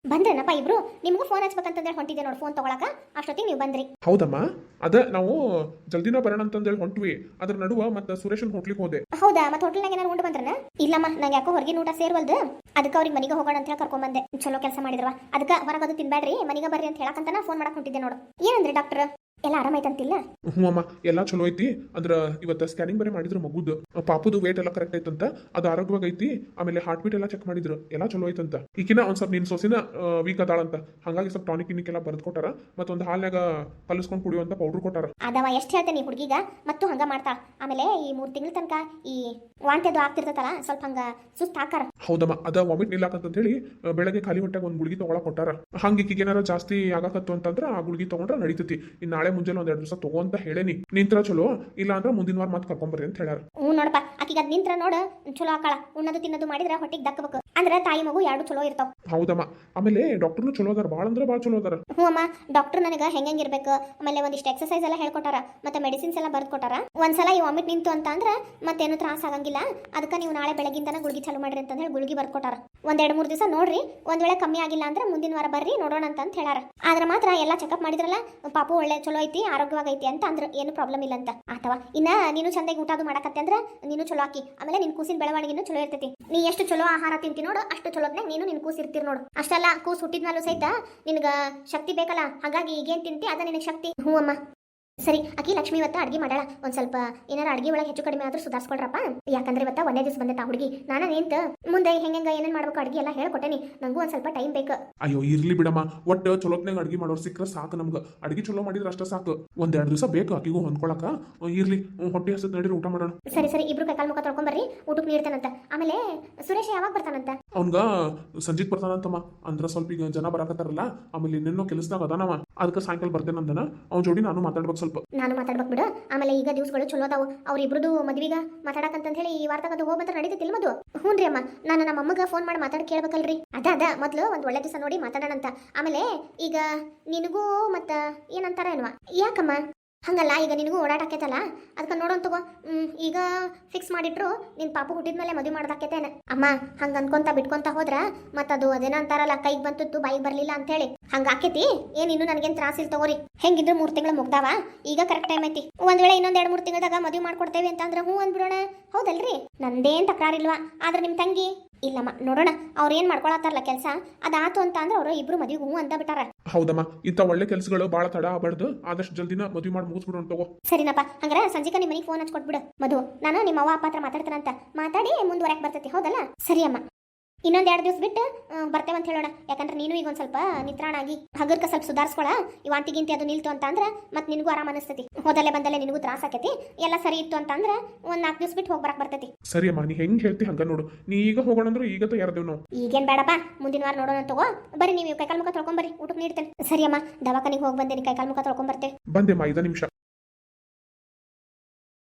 S1: ಬಂದ್ರೇನಪ್ಪ ಇಬ್ರು ನಿಮ್ಗೂ ಫೋನ್ ಹಚ್ಬೇಕಂತಂದೇಳಿ ಹೊಂಟಿದ್ದೆ ನೋಡಿ ಫೋನ್ ತಗೊಳಕ ಅಷ್ಟೊತ್ತಿಗೆ ನೀವು ಬಂದ್ರಿ
S2: ಹೌದಮ್ಮ ಅದ ನಾವು ಜಲ್ದಿನ ಬರೋಣ ಅಂತಂದೇಳಿ ಹೊಂಟ್ವಿ ಅದ್ರ ನಡುವ ಮತ್ತೆ ಸುರೇಶನ್ ಹೋಟ್ಲಿಗೆ ಹೋದೆ
S1: ಹೌದಾ ಮತ್ತೆ ಹೋಟೆಲ್ನಾಗ ಏನಾರು ಉಂಡು ಬಂದ್ರನ ಇಲ್ಲಮ್ಮ ನಂಗೆ ಯಾಕೋ ಹೊರಗಿನ ಊಟ ಸೇರ್ವಲ್ದು ಅದಕ್ಕೆ ಅವ್ರಿಗೆ ಮನೆಗೆ ಹೋಗೋಣ ಅಂತ ಹೇಳಿ ಕರ್ಕೊಂಡ್ ಬಂದೆ ಚಲೋ ಕೆಲಸ ಮಾಡಿದ್ರವ ಅದಕ್ಕೆ ಹೊರಗದು ತಿನ್ಬೇಡ್ರಿ ಮನೆಗೆ ಬರ್ರಿ ಅಂತ ಹೇಳಕಂತ ಫೋನ್ ಮಾಡಕ್ ಹೊಂಟಿದ್ದೆ ನೋಡು ಏನಂದ್ರಿ ಡಾಕ್ಟರ್ ಎಲ್ಲ ಆರಾಮಾಯ್ತಂತಿಲ್ಲ
S2: ಹ್ಞೂ ಅಮ್ಮ ಎಲ್ಲ ಚಲೋ ಐತಿ ಅಂದ್ರ ಇವತ್ತು ಸ್ಕ್ಯಾನಿಂಗ್ ಬೇರೆ ಮಾಡಿದ್ರು ಮಗುದು ಪಾಪುದು ವೇಟ್ ಎಲ್ಲ ಕರೆಕ್ಟ್ ಐತಂತ ಅದು ಆರೋಗ್ಯವಾಗಿ ಐತಿ ಆಮೇಲೆ ಹಾರ್ಟ್ ಬೀಟ್ ಎಲ್ಲ ಚೆಕ್ ಮಾಡಿದ್ರು ಎಲ್ಲ ಚಲೋ ಐತಂತ ಈಗಿನ ಒಂದ್ ಸ್ವಲ್ಪ ನಿನ್ ಸೊಸಿನ ವೀಕ್ ಅದಾಳಂತ ಹಂಗಾಗಿ ಸ್ವಲ್ಪ ಟಾನಿಕ್ ಗಿನಿಕ್ ಎಲ್ಲ ಬರೆದು ಕೊಟ್ಟಾರ ಮತ್ತೊಂದು ಹಾಲ್ನಾಗ ಕಲಿಸ್ಕೊಂಡು ಕುಡಿಯುವಂತ ಪೌಡರ್ ಕೊಟ್ಟಾರ
S1: ಅದವ ಎಷ್ಟು ಹೇಳ್ತೇನೆ ಹುಡುಗಿಗ ಮತ್ತು ಹಂಗ ಮಾಡ್ತಾಳ ಆಮೇಲೆ ಈ 3 ತಿಂಗಳ ತನಕ ಈ ವಾಂತಿ ಅದು ಆಗ್ತಿರ್ತತಲ್ಲ ಸ್ವಲ್ಪ ಹಂಗ ಸುಸ್ತು ಹಾಕಾರ
S2: ಹೌದಮ್ಮ ಅದ ವಾಮಿಟ್ ನಿಲ್ಲಾಕಂತ ಹೇಳಿ ಬೆಳಗ್ಗೆ ಖಾಲಿ ಹೊಟ್ಟೆಗೆ ಒಂದು ಗುಳಿಗೆ ತಗೊಳಕ್ ಕೊಟ್ಟಾರ ಹಂಗೆ ಈಕಿಗೆ ಏನಾರ ಜಾಸ್ತಿ ಆಗಾಕತ್ತು ಅಂತಂದ್ರ ಆ ಗುಳಿಗೆ ತಗೊಂಡ್ರೆ ನಡೀತೈತಿ ಇನ್ನು ನಾಳೆ ಮುಂಜಾನೆ ಒಂದ್ 2 ದಿವಸ ತಗೋ ಅಂತ ಹೇಳೇನಿ ನಿಂತ್ರ ಚಲೋ ಇಲ್ಲ ಅಂದ್ರೆ ಮುಂದಿನ ವಾರ ಮತ್ತೆ ಕರ್ಕೊಂಬರ್ರಿ ಅಂತ ಹೇಳ್ಯಾರ
S1: ಹ್ಞೂ ನೋಡಪ್ಪ ಆಕಿಗೆ ಅದ್ ನಿಂತ್ರ ನೋಡ ಚಲೋ ಆಕಾಳ ಉಣ್ಣದು ತಿನ್ನೋದು ಮಾಡಿದ್ರೆ ಹೊಟ್ಟಿಗೆ ದಕ್ಕಬೇಕು ಅಂದ್ರೆ ತಾಯಿ ಮಗು ಎರಡು ಚಲೋ ಇರ್ತಾವ
S2: ಹೌದಮ್ಮ ಆಮೇಲೆ ಡಾಕ್ಟರ್ನು ಚಲೋ ಅದಾರ ಭಾಳ ಅಂದ್ರೆ ಭಾಳ ಚಲೋ ಅದಾರ
S1: ಹ್ಞೂ ಅಮ್ಮ ಡಾಕ್ಟರ್ ನನಗೆ ಹೆಂಗಿರ್ಬೇಕು ಆಮೇಲೆ ಒಂದಿಷ್ಟು ಎಕ್ಸರ್ಸೈಸ್ ಎಲ್ಲ ಹೇಳ್ಕೊಟ್ಟಾರ ಮತ್ತೆ ಮೆಡಿಸಿನ್ಸ್ ಎಲ್ಲ ಬರ್ದು ಕೊಟ್ಟಾರ ಒಂದ್ಸಲ ಈ ವಾಮಿಟ್ ನಿಂತು ಅಂತ ಅಂದ್ರೆ ಮತ್ತೇನು ತ್ರಾಸ ಆಗಂಗಿಲ್ಲ ಅದಕ್ಕೆ ನೀವು ನಾಳೆ ಬೆಳಗಿಂದನ ಗುಳಿಗೆ ಚಾಲು ಮಾಡ್ರಿ ಅಂತ ಹೇಳಿ ಗುಳಿಗೆ ಬರ್ದು ಕೊಟ್ಟಾರ ಒಂದ್ 2-3 ದಿವಸ ನೋಡ್ರಿ ಒಂದ್ ವೇಳೆ ಕಮ್ಮಿ ಆಗಿಲ್ಲ ಅಂದ್ರೆ ಮುಂದಿನ ವಾರ ಬರ್ರಿ ನೋಡೋಣ ಅಂತ ಹೇಳಾರ ಆದ್ರೆ ಮಾತ್ರ ಎಲ್ಲ ಚೆಕಪ್ ಮಾಡಿದ್ರಲ್ಲ ಪಾಪು ಒಳ್ಳೆ ಚಲೋ ಐತಿ ಆರೋಗ್ಯವಾಗೈತಿ ಅಂತ ಅಂದ್ರೆ ಏನು ಪ್ರಾಬ್ಲಮ್ ಇಲ್ಲ ಅಂತ ಅಥವಾ ಇನ್ನ ನೀನು ಚಂದಾಗಿ ಊಟ ಅದು ಮಾಡಕತ್ತೆ ಅಂದ್ರೆ ನೀನು ಚಲೋ ಆಕಿ ಆಮೇಲೆ ನಿನ್ ಕೂಸಿನ ಬೆಳವಣಿಗೆನೂ ಚಲೋ ಇರ್ತೈತಿ ನೀ ಎಷ್ಟು ಚಲೋ ಆಹಾರ ತಿಂತಿ ನೋಡು ಅಷ್ಟು ಚಲೋದ್ನಾಗ ನೀನು ನಿನ್ ಕೂಸ್ ಇರ್ತೀರಿ ನೋಡು ಅಷ್ಟೆಲ್ಲ ಕೂಸ್ ಹುಟ್ಟಿದ್ಮೇಲೂ ಸಹಿತ ನಿನ್ಗ ಶಕ್ತಿ ಬೇಕಲ್ಲ ಹಾಗಾಗಿ ಈಗೇನ್ ತಿಂತಿ ಅದ ನಿನಗೆ ಶಕ್ತಿ ಹ್ಞೂ ಅಮ್ಮ ಸರಿ ಅಕ್ಕಿ ಲಕ್ಷ್ಮಿ ಇವತ್ತ ಅಡ್ಗೆ ಮಾಡಾಳ ಒಂದ್ ಸ್ವಲ್ಪ ಏನಾರ ಅಡ್ಗೆ ಒಳಗೆ ಹೆಚ್ಚು ಕಡಿಮೆ ಆದ್ರೂ ಸುಧಾರಿಸ್ಕೊಳ್ರಪ್ಪ ಯಾಕಂದ್ರೆ ಇವತ್ತ ಒಂದೇ ದಿವಸ ಬಂದೈತ ಹುಡುಗಿ ನಾನು ನಿಂತ ಮುಂದೆ ಹೆಂಗ ಏನೇನ್ ಮಾಡ್ಬೇಕು ಅಡ್ಗೆ ಎಲ್ಲ ಹೇಳ್ಕೊಟ್ಟೇನಿ ನಂಗೂ ಒಂದ್ ಸ್ವಲ್ಪ ಟೈಮ್ ಬೇಕು
S2: ಅಯ್ಯೋ ಇರ್ಲಿ ಬಿಡಮ್ಮ ಒಟ್ಟು ಚಲೋತ್ನಾಗ ಅಡ್ಗೆ ಮಾಡೋರು ಸಿಕ್ಕರೆ ಸಾಕು ನಮ್ಗೆ ಅಡ್ಗೆ ಚಲೋ ಮಾಡಿದ್ರೆ ಅಷ್ಟೇ ಸಾಕು ಒಂದ್ 2 ದಿವಸ ಬೇಕು ಆಕಿಗೂ ಹೊಂದ್ಕೊಳಕ ಇರ್ಲಿ ಹೊಟ್ಟೆ ಹಸದ್ ನಡೀರಿ ಊಟ ಮಾಡೋಣ
S1: ಸರಿ ಸರಿ ಇಬ್ರು ಕೈಕಾಲ್ ಮುಖ ತೊಳ್ಕೊಂಬರ್ರಿ ಊಟಕ್ಕೆ ನೀಡ್ತಾನಂತ ಆಮೇಲೆ ಸುರೇಶ್ ಯಾವಾಗ ಬರ್ತಾನಂತ
S2: ಅವ್ನ್ಗ ಸಂಜಿತ್ ಬರ್ತಾನಂತಮ್ಮ ಅಂದ್ರ ಸ್ವಲ್ಪ ಈಗ ಜನ ಬರಾಕತ್ತಾರಲ್ಲ ಆಮೇಲೆ ಇನ್ನೇನೋ ಕೆಲಸದಾಗ ಅದಾನವ ಅದಕ್ಕೆ ಸಾಯಂಕಾಲ ಬರ್ತೇನಂದನ ಅವ್ನ ಜೋಡಿ ನಾನು ಮಾತಾಡ್ಬೇಕು ಸ್ವಲ್ಪ
S1: ನಾನು ಮಾತಾಡ್ಬೇಕು ಬಿಡು ಆಮೇಲೆ ಈಗ ದಿವಸಗಳು ಚಲೋ ಅದಾವು ಅವ್ರಿಬ್ರದು ಮದ್ವಿಗ ಮಾತಾಡಕಂತ ಹೇಳಿ ಈ ವಾರದಾಗ ಅದು ಹೋಗ್ಬಂತ ನಡೀತಿಲ್ಲ ಮದು ಹ್ಞೂನ್ರಿ ಅಮ್ಮ ನಾನು ನಮ್ಮ ಅಮ್ಮಗ ಫೋನ್ ಮಾಡಿ ಮಾತಾಡಿ ಕೇಳ್ಬೇಕಲ್ರಿ ಅದ ಮೊದ್ಲು ಒಂದ್ ಒಳ್ಳೆ ದಿವಸ ನೋಡಿ ಮಾತಾಡೋಣಂತ ಆಮೇಲೆ ಈಗ ನಿನಗೂ ಮತ್ತ ಏನಂತಾರ ಏನವ ಯಾಕಮ್ಮ ಹಂಗಲ್ಲ ಈಗ ನಿನಗೂ ಓಡಾಟ ಆಕೈತಲ್ಲ ಅದಕ್ಕೆ ನೋಡೋನ್ ತಗೋ ಈಗ ಫಿಕ್ಸ್ ಮಾಡಿಟ್ರು ನಿನ್ ಪಾಪು ಹುಟ್ಟಿದ್ಮೇಲೆ ಮದುವೆ ಮಾಡ್ದಾಕೈತೇನೆ ಅಮ್ಮ ಹಂಗ ಅನ್ಕೊಂತ ಬಿಟ್ಕೊಂತ ಹೋದ್ರ ಮತ್ತದು ಅದೇನೋ ಅಂತಾರಲ್ಲ ಕೈಗೆ ಬಂತು ಬಾಯಿಗೆ ಬರ್ಲಿಲ್ಲ ಅಂತ ಹೇಳಿ ಹಂಗ ಆಕೈತಿ ಏನ್ ಇನ್ನು ನನಗೇನ್ ತ್ರಾಸ ಇಲ್ಲ ತಗೋರಿ ಹೆಂಗಿದ್ರು 3 ತಿಂಗಳು ಮುಗ್ದಾವ ಈಗ ಕರೆಕ್ಟ್ ಟೈಮ್ ಐತಿ ಒಂದ್ ವೇಳೆ ಇನ್ನೊಂದ್ 2-3 ತಿಂಗಳದಾಗ ಮದುವೆ ಮಾಡ್ಕೊಡ್ತೇವೆ ಅಂತಂದ್ರೆ ಹ್ಞೂ ಅಂದ್ಬಿಡೋಣ ಹೌದಲ್ರಿ ನಂದೇನ್ ತಕರಾರಿಲ್ವಾ ಆದ್ರೆ ನಿಮ್ ತಂಗಿ ಇಲ್ಲಮ್ಮ ನೋಡೋಣ ಅವ್ರು ಏನ್ ಮಾಡ್ಕೊಳತ್ತಾರಲ್ಲ ಕೆಲಸ ಅದಾತು ಅಂತ ಅಂದ್ರೆ ಅವರು ಇಬ್ರು ಮದುವೆಗೆ ಹ್ಞೂ ಅಂತ ಬಿಟ್ಟಾರ
S2: ಹೌದಮ್ಮ ಇಂಥ ಒಳ್ಳೆ ಕೆಲಸಗಳು ಭಾಳ ತಡ ಆಗಬಾರ್ದು ಆದಷ್ಟು ಜಲ್ದಿನ ಮದುವೆ ಮಾಡಿ ಮುಗಿಸ್ಬಿಡೋಣ ತಗೋ
S1: ಸರಿನಪ್ಪ ಹಂಗಾರ ಸಂಜಿಕ ನಿಮ್ಮ ಮನೆಗೆ ಫೋನ್ ಹಚ್ಕೊಟ್ಬಿಡು ಮಧು ನಾನು ನಿಮ್ಮ ಅವ್ವ ಅಪ್ಪ ಹತ್ರ ಮಾತಾಡ್ತಾನಂತ ಮಾತಾಡಿ ಮುಂದುವರೆಕ್ ಬರ್ತೈತಿ ಹೌದಲ್ಲ ಸರಿ ಅಮ್ಮ ಇನ್ನೊಂದ್ 2 ದಿವಸ ಬಿಟ್ಟು ಬರ್ತೇವೆ ಅಂತ ಹೇಳೋಣ ಯಾಕಂದ್ರೆ ನೀನು ಈಗ ಒಂದ್ ಸ್ವಲ್ಪ ನಿತ್ರಾಣ ಆಗಿ ಹಗರ್ಕ ಸ್ವಲ್ಪ ಸುಧಾರಿಸ್ಕೊಳ ಈ ವಾಂತಿಗಿಂತಿ ಅದು ನಿಲ್ತು ಅಂತ ಅಂದ್ರೆ ಮತ್ತೆ ನಿನಗೂ ಆರಾಮ ಅನಿಸ್ತೈತಿ ಹೋದಲ್ಲೇ ಬಂದಲ್ಲೇ ನಿನಗೂ ತ್ರಾಸ ಆಕೈತಿ ಎಲ್ಲ ಸರಿ ಇತ್ತು ಅಂತ ಅಂದ್ರೆ ಒಂದ್ 4 ದಿವಸ ಬಿಟ್ಟು ಹೋಗ್ಬರಕ್ ಬರ್ತೈತಿ
S2: ಸರಿ ಅಮ್ಮ ನೀ ಹೆಂಗ್ ಹೇಳ್ತಿ ಹಂಗ ನೋಡು ನೀ ಈಗ ಹೋಗೋಣ ಅಂದ್ರೆ ಈಗ ತಯಾರದೇವ್ ನಾವು
S1: ಈಗೇನ್ ಬೇಡಪ್ಪ ಮುಂದಿನ ವಾರ ನೋಡೋಣ ತಗೋ ಬರ್ರಿ ನೀವು ಕೈಕಾಲ್ ಮುಖ ತೊಳ್ಕೊಂಬರ್ರಿ ಊಟಕ್ಕೆ ನೀಡ್ತೇನೆ ಸರಿ ಅಮ್ಮ ದವಾಖಾನಿಗೆ ಹೋಗಿ ಬಂದೇನಿ ಕೈಕಾಲ್ ಮುಖ ತೊಳ್ಕೊಂಬರ್ತೇವೆ
S2: ಬಂದೆಮ್ಮ 5 ನಿಮಿಷ